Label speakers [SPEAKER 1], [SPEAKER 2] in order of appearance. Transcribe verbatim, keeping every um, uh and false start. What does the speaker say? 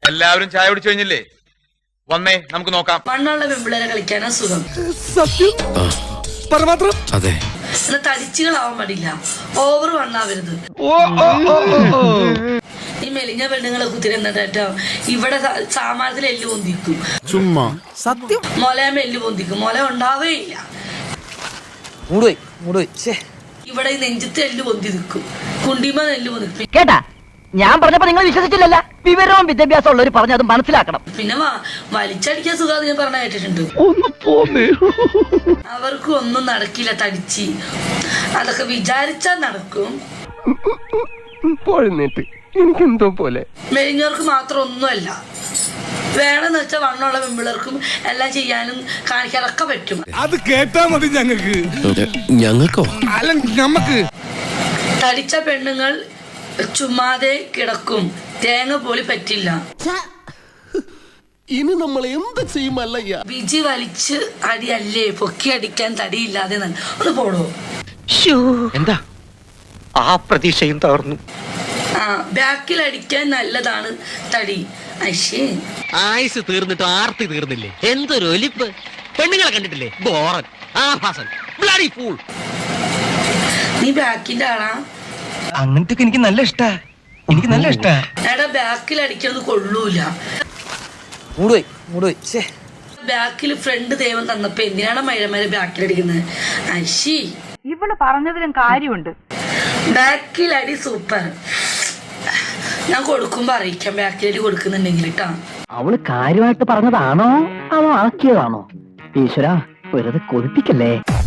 [SPEAKER 1] എല്ലാവരും ചായ കുടിച്ചു കഴിഞ്ഞില്ലേ? വന്നേ നമുക്ക് നോക്കാം.
[SPEAKER 2] മണ്ണുള്ള പെമ്പിളരെ കളിക്കാനാ സുഖം.
[SPEAKER 3] സത്യം പരമാത്രം.
[SPEAKER 4] അതെ,
[SPEAKER 2] തടിച്ചുകളാവാൻ പാടില്ല, ഓവർ വണ്ണാവരുത്. ഈ മെലിഞ്ഞ പെണ്ണുങ്ങളെ കുത്തിരുന്നിട്ടോ ഇവിടെ സാമാനത്തിൽ എല്ല് പൊന്തിക്കും.
[SPEAKER 3] ചുമ്മാ സത്യം.
[SPEAKER 2] മുലയമ്മ എല്ല് പൊന്തിക്കും, മുല ഉണ്ടാവുകയില്ല. ഇവിടെ ഈ നെഞ്ചത്ത് എല്ല് പൊന്തി നിൽക്കും, കുണ്ടിമ നെല്ല് പൊന്തിക്കും.
[SPEAKER 5] കേട്ടാ, ഞാൻ പറഞ്ഞപ്പോ നിങ്ങൾ വിശ്വസിച്ചില്ലല്ല. വിവരവും വിദ്യാഭ്യാസം ഉള്ളവർ പറഞ്ഞ് അത് മനസ്സിലാക്കണം.
[SPEAKER 2] പിന്നെ വലിച്ചടിക്കാൻ സുഖം ഞാൻ പറഞ്ഞ കേട്ടിട്ടുണ്ട്. അവർക്ക് ഒന്നും നടക്കില്ല, തടിച്ച് അതൊക്കെ വിചാരിച്ചാൽ നടക്കും.
[SPEAKER 3] എനിക്കെന്തോ പോലെ.
[SPEAKER 2] മെലിഞ്ഞവർക്ക് മാത്രം ഒന്നുമല്ല, വേണമെന്ന് വെച്ചാൽ വണ്ണമുള്ള പെമ്പിളർക്കും എല്ലാം ചെയ്യാനും കാണിക്കാനൊക്കെ പറ്റും.
[SPEAKER 3] അത് കേട്ടാ മതി ഞങ്ങൾക്ക്.
[SPEAKER 4] ഞങ്ങൾക്കോ?
[SPEAKER 3] അല്ല, ഞമ്മക്ക്.
[SPEAKER 2] തടിച്ച പെണ്ണുങ്ങൾ ചുമ്മാതെ കിടക്കും, തേങ്ങ പോലും പറ്റില്ല.
[SPEAKER 4] ഇനി നമ്മൾ എന്ത് ചെയ്യുമല്ലയ്യ?
[SPEAKER 2] ബിജി വലിച്ച് അടിയല്ലേ, പൊക്കി അടിക്കാൻ തടിയില്ലാതെ. ഒന്ന് പോടോ.
[SPEAKER 6] എന്താ ആ പ്രതീക്ഷയും തകർന്നു.
[SPEAKER 2] ആ ബാക്കിൽ അടിക്കാൻ നല്ലതാണ് തടി. അശ്ശേ,
[SPEAKER 6] ആയുസ് തീർന്നിട്ട് ആർത്തി തീർന്നില്ലേ? എന്തൊരു ഒലിപ്പ്! പെണ്ണുങ്ങളെ കണ്ടിട്ടില്ലേ? ബോറൻ, ആഭാസൻ, ബ്ലഡി ഫൂൾ.
[SPEAKER 2] നീ ബാക്കിന്റെ ആളാ?
[SPEAKER 6] അങ്ങനത്തെ എനിക്ക് നല്ല ഇഷ്ടാ, എനിക്ക് നല്ല ഇഷ്ടാ.
[SPEAKER 2] എടാ, ബാക്കിൽ അടിക്കുന്നത് കൊള്ളൂല. ബാക്കിൽ ഫ്രണ്ട് ദൈവം തന്നപ്പോ എന്തിനാണ് മഴമാര് ബാക്കിൽ അടിക്കുന്നത്? അശ്ശി,
[SPEAKER 5] ഇവള് പറഞ്ഞതിലും കാര്യമുണ്ട്.
[SPEAKER 2] ബാക്കിൽ അടി സൂപ്പർ. ഞാൻ കൊടുക്കുമ്പോ അറിയിക്കാം ബാക്കിൽ അടി കൊടുക്കുന്നുണ്ടെങ്കിൽ കേട്ടാ.
[SPEAKER 5] അവള് കാര്യമായിട്ട് പറഞ്ഞതാണോ അവ ആക്കിയതാണോ? ഈശ്വരാ, വെറുതെ കൊതിപ്പിക്കല്ലേ.